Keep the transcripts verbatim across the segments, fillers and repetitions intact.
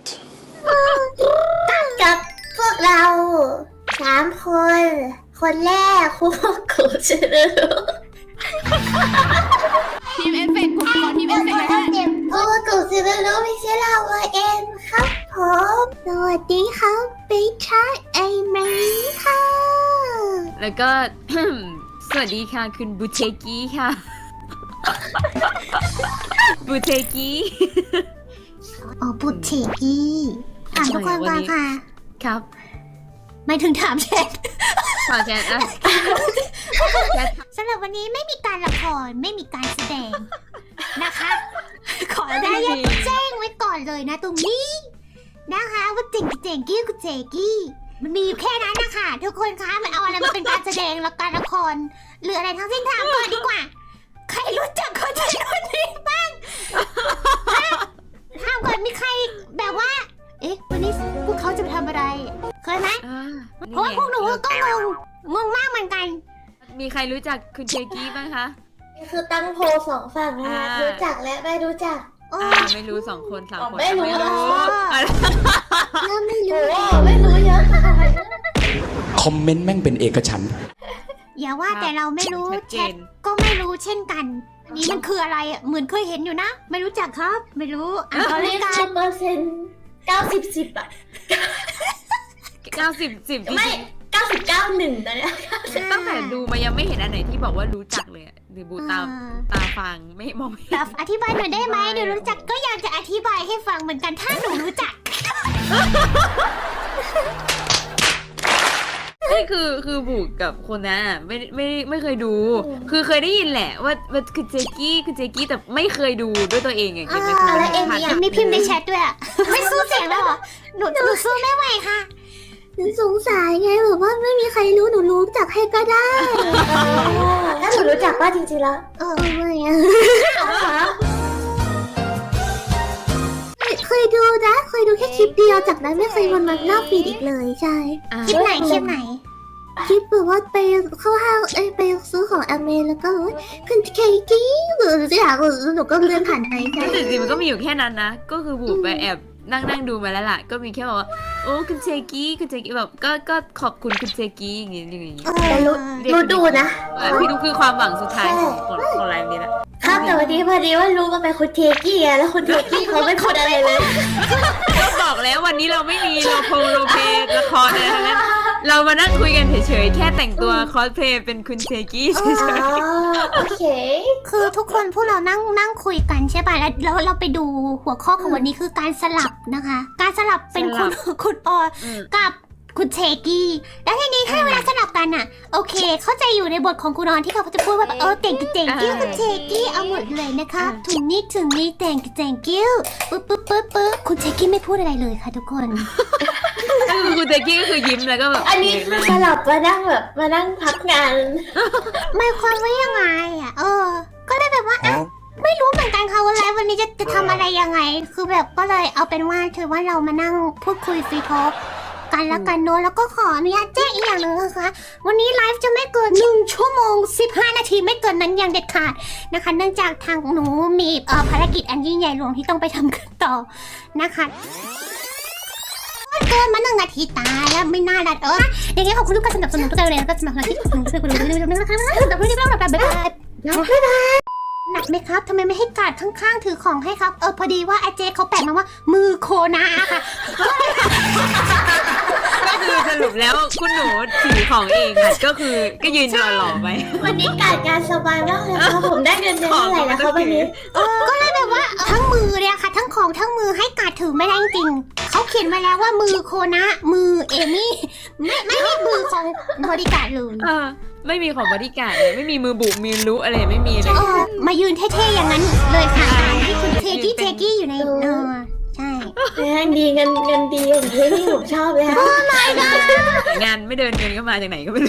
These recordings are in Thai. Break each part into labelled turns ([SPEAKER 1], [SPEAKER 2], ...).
[SPEAKER 1] กับพวกเราสามคน คนแรกคุกุชิโร่
[SPEAKER 2] ทีมเอฟเฟกต์ขอทีมเอฟเฟกต์นะ
[SPEAKER 1] คุกุชิโร่ไม่ใช่เราเองครับผมสวัสดีครับเป็นชาไอเมย์ค่ะ
[SPEAKER 2] แล้วก็ สวัสดีค่ะคุณบูเทกี้ค่ะ บูเทกี้
[SPEAKER 1] อ๋อบุตรเชกี้ถามทุกคนก่อนค่ะ
[SPEAKER 2] ครับ
[SPEAKER 1] ไม่ถึงถามแชท
[SPEAKER 2] ขอแชทอ่ะแชท
[SPEAKER 1] สำหรับวันนี้ไม่มีการละครไม่มีการแสดงนะคะ ขอได้ยังแจ้งไว้ก่อนเลยนะตรงนี้นะคะว่าเจ๋งเจ๋งกี้กูเจกี้มันมีอยู่แค่นั้นนะคะทุกคนคะมันเอาอะไรมาเป็นการแสดงและการละครหรืออะไรทั้งสิ้นถามก่อนดีกว่าใครรู้จักคนนี้คนนี้บ้างถามก่อนมีใครแบบว่าเอ๊ะวันนี้พวกเขาจะไปทำอะไรเคยไหม
[SPEAKER 2] อ่า
[SPEAKER 1] เพราะว่าพวกหนูก็งงงงมากเหมือนกัน
[SPEAKER 2] มีใครรู้จักคุณเทกี้บ้างคะ
[SPEAKER 3] คือตั้งโพลสองฝั่งนะคะ
[SPEAKER 2] อ่ารู้
[SPEAKER 3] รู้จักและไม่รู้จัก
[SPEAKER 1] โอ้
[SPEAKER 2] อ่าไม่รู้สองคนสามคน
[SPEAKER 3] ไม่รู้
[SPEAKER 2] อ่ะ
[SPEAKER 1] เริ่มไม่
[SPEAKER 3] โอ้
[SPEAKER 1] รู้
[SPEAKER 3] ไม่รู้เยอะค่ะ
[SPEAKER 4] คอมเมนต์แม่งเป็นเอกฉันท์
[SPEAKER 1] อย่าว่าแต่เราไม่รู้
[SPEAKER 2] ชัด
[SPEAKER 1] แช
[SPEAKER 2] เจ
[SPEAKER 1] ท
[SPEAKER 2] น
[SPEAKER 1] ก็ไม่รู้เช่นกันอันนี้มันคืออะไรอ่ะเหมือนเคยเห็นอยู่นะ ไม่รู้จักครับ ไม่รู้อ่ะ
[SPEAKER 3] ตอน
[SPEAKER 1] เล
[SPEAKER 3] นี้
[SPEAKER 1] ยกั
[SPEAKER 3] คื
[SPEAKER 1] น
[SPEAKER 3] อเปอร์เซ็นต์เก้าสิบสิบอะ
[SPEAKER 2] เก้าสิบสิบจริง
[SPEAKER 3] ไม่เก้าสิบเก้าหนึ่งตอนเนี้ย
[SPEAKER 2] ๆตั้งแต่ดูมายังไม่เห็นอันไหนที่บอกว่ารู้จักเลยอะหรือบูตามตาฟังไม่มองไม่เห็น
[SPEAKER 1] แต่อธิบายหน่อยได้ไหมเดี๋ยวรู้จักก็อยากจะอธิบายให้ฟังเหมือนกันถ้าหนูรู้จัก
[SPEAKER 2] นี่คือคือบุกกับคนนั้นอะไม่ไม่ไม่เคยดู คือเคยได้ยินแหละว่าว่าคือเจกี้คือเจกี้แต่ไม่เคยดูด้วยตัวเองอะคิดไม่
[SPEAKER 1] อ่า
[SPEAKER 2] ทัน
[SPEAKER 3] แล้วเอมี่อะ
[SPEAKER 1] มีพิมพ์ในแชทด้วยอ่ะ ไม่สู้เสียงแล้วเหรอหนูหนูสู้ไม่ไหวค่ะหนูสงสัยไงแบบว่าไม่มีใครรู้หนูรู้จักให้ก็ได้
[SPEAKER 3] ถ้าหนูรู้จักว่าจริงๆแล้ว
[SPEAKER 1] เออไม่อะเคยดูนะเคยดูแค่คลิปเดียวจากนั้นไม่เคยวนมาหน้าฟีดอีกเลยใช่
[SPEAKER 2] อ่า
[SPEAKER 1] คลิปไหนคลิปไหนคลิปแบบว่าไปเข้าห้างเอ้ยไปซื้อของอเมแล้วก็คุณเคกี้หรือจะอยากหนูก็เลื่อนผ่านไปใช่
[SPEAKER 2] แต่จริงๆมันก็มีอยู่แค่นั้นนะ ก็คือบุกไปแอบนั่งนั่งดูมาแล้วล่ะ ก็มีแค่บอกว่าโอ้คุณเจกี้คุณเจกี้แบบก็ก็ขอบคุณคุณเจกี้อย่างงี้อย่างงี้
[SPEAKER 3] แต่รู้รู้ดูนะ
[SPEAKER 2] อ่ะพี่ดูคือความหวังสุดท้ายของของของไลฟ์นี้แหละ
[SPEAKER 3] ครับแต่วันนี้พอดีว่ารู้ว่าเป็นคุณเทกี้ไงแล้วคุณเทกี้เขาไม่พูดอะไรเลย
[SPEAKER 2] ก็บอกแล้ววันนี้เราไม่มีโลโพโลเพละครอะไรทั้งนั้นเรามานั่งคุยกันเฉยๆแค่แต่งตัวคอสเพลย์เป็นคุณเจกี้เฉ
[SPEAKER 3] อ๋อย โอเค
[SPEAKER 1] คือทุกคนพวกเรานั่งนั่งคุยกันใช่ป่ะแล้วแล้วเราไปดูหัวข้อของวันนี้คือการสลับนะคะ การสลับเป็นคุณคุณออ
[SPEAKER 2] ๆอืม
[SPEAKER 1] กับคุณเชกี้แล้วทีนี้ถ้าเวลาสลับกันอ่ะ โอเค เข้าใจอยู่ในบทของคุณนอนที่เขาจะพูดว่าแบบเออเต่งกับเต่งกิ้วกับเชกี้เอาหมดเลยนะคะถึงนี้ถึงนี้แต่งกับแต่งกิ้วปึ๊บปึ๊บปึ๊บปึ๊บคุณเชกี้ไม่พูดอะไรเลยค่ะทุกคน
[SPEAKER 2] ก็คือคุณเจกี้ก็คือยิ้มแล้วก็แบบ
[SPEAKER 3] อันนี้คือสลับมานั่งแบบมานั่งพักงาน
[SPEAKER 1] หมายความว่ายังไงอ่ะเออ ก็เลยแบบว่าอ่ะไม่รู้เหมือนกันค่ะว่าไลฟ์วันนี้จะจะทำอะไรยังไง คือแบบก็เลยเอาเป็นว่าถือว่าเรามานั่งพูดคุยฟรีทอล์กกันแล้วกันเนอะแล้วก็ขออนุญาตแจ้งอีกอย่างหนึ่งนะคะ วันนี้ไลฟ์จะไม่เกินหนึ่งชั่วโมงสิบห้านาทีไม่เกินนั้นอย่างเด็ดขาดนะคะ เนื่องจากทางหนูมีเอ่อภารกิจอันยิ่งใหญ่หลวงที่ต้องไปทำกันต่อนะคะเกินมาหนึ่งนาทีตายแล้วไม่น่าดัดเอออย่างเงี้ยขอบคุณทุกการสนับสนุนทุกการเลยแล้วก็สนับสนุนที่สนับสนุนทุกการเลยนะคะแต่ไม่ได้เล่าแบบแบบหนักไหมครับทำไมไม่ให้การดข้างๆถือของให้ครับเออพอดีว่าอาเจเขาแปะมาว่ามือโคนาค่ะ
[SPEAKER 2] ก็คือสรุปแล้วคุณหนูถือของเองอ่ะก็คือก็ยืนรอหล่อไป
[SPEAKER 3] วันนี้การงานสบายมากเลยค่ะผมได้เงินเดือนเท่าไหร่แล้วคะวันนี้
[SPEAKER 1] ก็เลยแบบว่าทั้งมือเนี่ยค่ะ ทั้งของทั้งมือให้การดถือไม่ได้จริงเขาเขียนไว้แล้วว่ามือโคนะมือเอมี่ไม่ไม่มีมือของบริการเลย
[SPEAKER 2] เออไม่มีของบริการเลยไม่มีมือบุมีรู้อะไรไม่มีเลย
[SPEAKER 1] เออมายืนเท่ๆอย่างนั้นเลยค่ะตามที่คุณเทกี้เทกี้อยู่ในเออใช่
[SPEAKER 3] งานดีเงินเงินดีอย่างที่นี่ผมชอบเลยค่ะ
[SPEAKER 2] งานไม่เดินเงินก็มาจากไหนก็ไม่รู้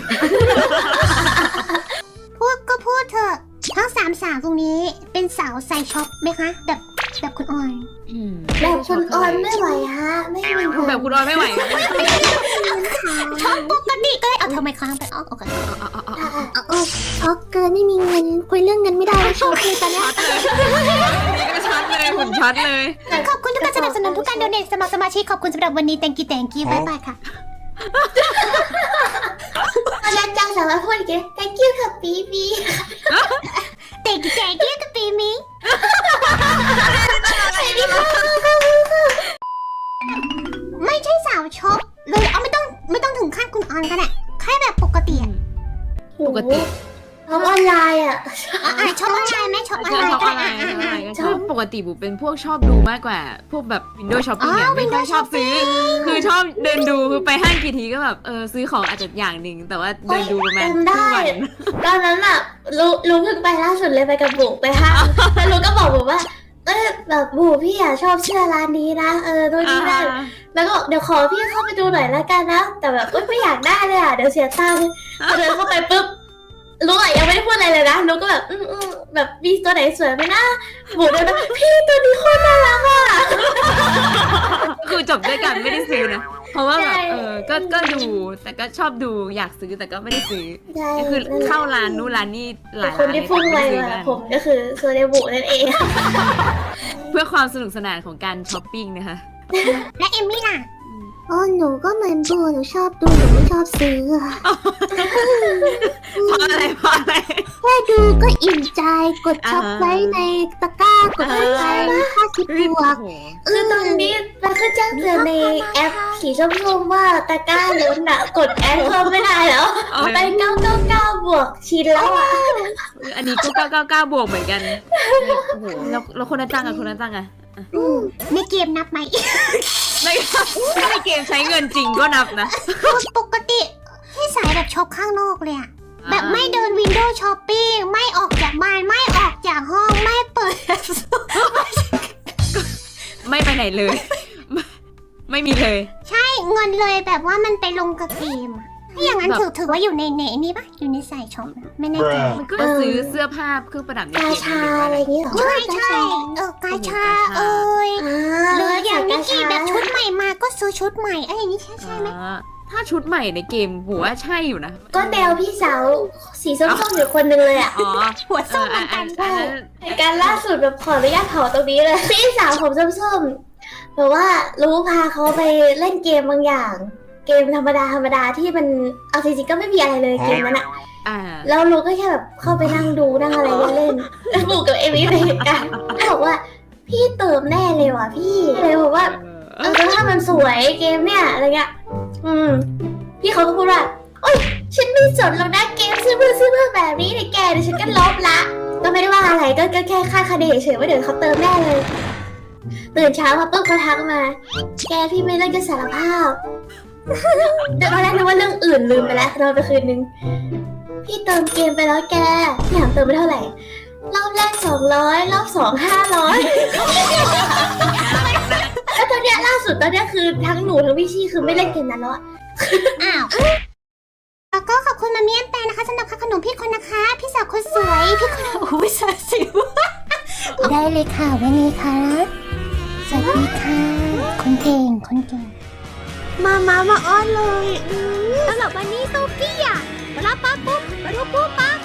[SPEAKER 1] พูดก็พูดเถอะทั้งสามสาวตรงนี้เป็นสาวใส่ช็อปไหมคะแบบแบบคุณออย
[SPEAKER 3] แบบคุณออนไม่ไหวฮะไม่มีเงิน
[SPEAKER 2] แบบคุณออยไม่ไหว
[SPEAKER 1] ช็อปปกติก็เลยเอาทำไมค้างไปอ๋อโอเค
[SPEAKER 3] อ๋อช็อกเกินไม่มีเงินคุยเรื่องเงินไม่ได้ช็อกเลยตอนนี้
[SPEAKER 2] ช็อตเลยนี่ก็ช็อตเลยหุ่นช็อตเลย
[SPEAKER 1] ขอบคุณทุกการสนับสนุนทุกการโดเนทสมัครสมาชิกขอบคุณสำหรับวันนี้ thank you thank you บ๊ายบายค่ะ
[SPEAKER 3] ตอนแรกจังสามารถพูดอีกที thank you ค่ะปีบี
[SPEAKER 1] thank you thank you กับปีมีไม่ใช่สาวช็อปเลยเอาไม่ต้องไม่ต้องถึงขั้นคุณออนก็ได้แค่แบบปกติอะ
[SPEAKER 2] ปกติ
[SPEAKER 3] ทำออนไลน์อ่ะ
[SPEAKER 1] อ่ะอ่ะช็อปออนไลน์ไหมช็อปออน
[SPEAKER 2] เจอ
[SPEAKER 1] ไลน์
[SPEAKER 2] ช็อป
[SPEAKER 1] ก็
[SPEAKER 2] ออนไล
[SPEAKER 1] ได้
[SPEAKER 2] น์
[SPEAKER 1] อ่ะ
[SPEAKER 2] ออนไล
[SPEAKER 1] อ่ะ
[SPEAKER 2] น์ก็
[SPEAKER 3] ช
[SPEAKER 2] ช
[SPEAKER 3] อ
[SPEAKER 2] อบ บปกติบุเป็นพวกชอบดูมากกว่า พวกแบบ Windows Shopping เนี่ย
[SPEAKER 1] อ๋อ
[SPEAKER 2] ไม่ค่อย
[SPEAKER 1] Windows
[SPEAKER 2] ชอบซื้อ
[SPEAKER 1] Shopping
[SPEAKER 2] คือชอบเดินดูคือไปห้างกี่ทีก็แบบเออซื้อของอาจจะอย่างหนึ่งแต่ว่าเดินดูประมาณ
[SPEAKER 3] จำได้
[SPEAKER 2] ครึ่งวัน
[SPEAKER 3] ตอนนั้นอ่ะรู้รู้เพิ่งไปล่าสุดเลยไปกับบุไปห้างแล้วรู้ก็บอกบุว่าเออแบบบุพี่อ่ะชอบเสื้อร้านนี้นะเออดูนี่นั่นแล้วก็บอกเดี๋ยวขอพี่เข้าไปดูหน่อยละกันนะแต่แบบเอ้ยไม่อยากได้เลยอ่ะเดี๋ยวเสียตังค์พอเดินเข้าไปปุ๊บรู้อ่ะยังไม่ได้พูดอะไรเลยนะรู้ก็แบบอืมอืมแบบมีตัวไหนสวยไหมนะบุเดินมาพี่ตัวนี้โคตรน่ารักอ่ะ
[SPEAKER 2] คือจบด้วยกันไม่ได้ซื้อนะเพราะว่าแบบ
[SPEAKER 3] ใช่
[SPEAKER 2] เออก็ก็ดูแต่ก็ชอบดูอยากซื้อแต่ก็ไม่ได้ซื้อ
[SPEAKER 3] ใช่
[SPEAKER 2] ก็คือเข้าร้านนู้นร้านนี่หลาย
[SPEAKER 3] ค
[SPEAKER 2] ร้าน น
[SPEAKER 3] ที่
[SPEAKER 2] เลย
[SPEAKER 3] พุ่งไป
[SPEAKER 2] ไม่ได้ซื้อ
[SPEAKER 3] มา
[SPEAKER 2] กัน
[SPEAKER 3] ผมก็คือโซเดบุนั่นเอง
[SPEAKER 2] เพื่อความสนุกสนานของการช้อปปิ้งนะคะ
[SPEAKER 1] และเอมมี่ล่ะ
[SPEAKER 3] อ๋อหนูก็เหมือนบูหนูชอบดูหนูไม่ชอบซื้อค่ะ
[SPEAKER 2] เพราะอะไรเพราะอะไร
[SPEAKER 3] แค่ดูก็อิ่มใจกดช็อป
[SPEAKER 2] อ่า
[SPEAKER 3] ไว้ในตะกร้ากดไว้ในห้าสิบบวก คือตอนนี้มันก็แจ้งเตือนในแอปสีส้มๆว่าตะกร้าล้นอะกดแอดเพิ่มไม่ได้แล้วไปเก้าเก้าเก้าบวกชิ้นแล้วอะ
[SPEAKER 2] อันนี้ก็เก้าเก้าเก้าบวกเหมือนกันโอ้โหแล้วแล้วคนละจังอะคนละจังอะ
[SPEAKER 1] ในเกมนับไหม
[SPEAKER 2] ในในเกมใช้เงินจริงก็นับนะ
[SPEAKER 1] ปกติให้สายแบบช็อปข้างนอกเลยอะแบบไม่เดินวินโดว์ช้อปปิ้งไม่ออกจากบ้านไม่ออกจากห้องไม่เปิด
[SPEAKER 2] ไม่ไปไหนเลย ไม่ไม่มีเลย
[SPEAKER 1] ใช่เงินเลยแบบว่ามันไปลงกับเกมอะถ้าอย่างนั้น
[SPEAKER 2] แบบ
[SPEAKER 1] ถือถือว่าอยู่ในในนี่ปะอยู่ในสายช็อปนะไม่แน่ใจ
[SPEAKER 2] มันก็ซื้อเสื้อผ้าเครื่องประดับใน
[SPEAKER 3] กา
[SPEAKER 2] เกม
[SPEAKER 3] ชาอะไรอย่างเงี้ยเหรอ
[SPEAKER 1] ใช่ใช่เออกาชาเอ้ย
[SPEAKER 3] อ่า
[SPEAKER 1] หรืออย่างนิกกี้
[SPEAKER 3] กาชา
[SPEAKER 1] แบบชุดใหม่มาก็ซื้อชุดใหม่อะไรอย่างนี้ใช่ใช่ไหม
[SPEAKER 2] อ่าถ้าชุดใหม่ในเกมหัวาใช่อยู่นะ
[SPEAKER 3] ก็แนวพี่สาวสีส้มๆอยู่คนหนึงเลยอะ
[SPEAKER 2] อ๋อ
[SPEAKER 1] หัวส้มเหมือนกัน
[SPEAKER 2] เอออันนั้น
[SPEAKER 3] เหตุการณ์ล่าสุดแบบขออนุญาตเผาตรงนี้เลย พี่สาวผมส้มๆแบบว่ารู้พาเขาไปเล่นเกมบางอย่าง เกมธรรมดาธรรมดาที่มันเอาจริงๆก็ไม่มีอะไรเลยเกมนั้นอะ
[SPEAKER 2] อ่า
[SPEAKER 3] แล้วลูกก็แค่แบบเข้าไปนั่งดูนั่งอะไรเล่นๆแล้วบุกกับเอมี่ไปเหตุการณ์แล้วบอกว่าพี่เติมแน่เลยว่ะพี่เลยบอกว่าเออถ้ามันสวยเกมเนี่ยอะไรเงี้ยอืมพี่เขาก็พูดว่าโอ๊ยฉันไม่สนแล้วนะเกมซื้อเพื่อซื้อเพื่อแบบนี้เลยแกเดี๋ยวฉันก็ลบละก็ไม่ได้ว่าอะไรก็ก็แค่คาดคะเนเฉยๆว่าเดี๋ยวเขาเติมแน่เลยตื่นเช้ามาปุ๊บเขาทักมา แกพี่ไม่เล่นจะสารภาพเดี๋ยวตอนแรกนึกว่าเรื่องอื่นลืมไปแล้วนอนไปคืนนึงพี่เติมเกมไปแล้วแกพี่ถามเติมไปเท่าไหร่รอบแรกสองร้อยรอบสองห้าร้อยแล้วตอนเนี้ยล่าสุดตอนเนี้ยคือทั้งหนูทั้งพี่ชี่คือไม่เล่นเกมนั้นแล้วอะ
[SPEAKER 1] อ้าวแล้วก็ขอบคุณมาเมียนแปนนะคะสำหรับค่าขนมพี่คนนะคะ พี่สาวคนสวยพี่คนโอ้ยสาวสิว ได้เลยค่ะวันนี้ค่ะสวัสดีค่ะคนเก่งคนเก่งมามามาอ้อนเลยสำหรับวันนี้โซฟี่อ่ะมารับปั๊บปุ๊บมาดูปุ๊บปั๊บ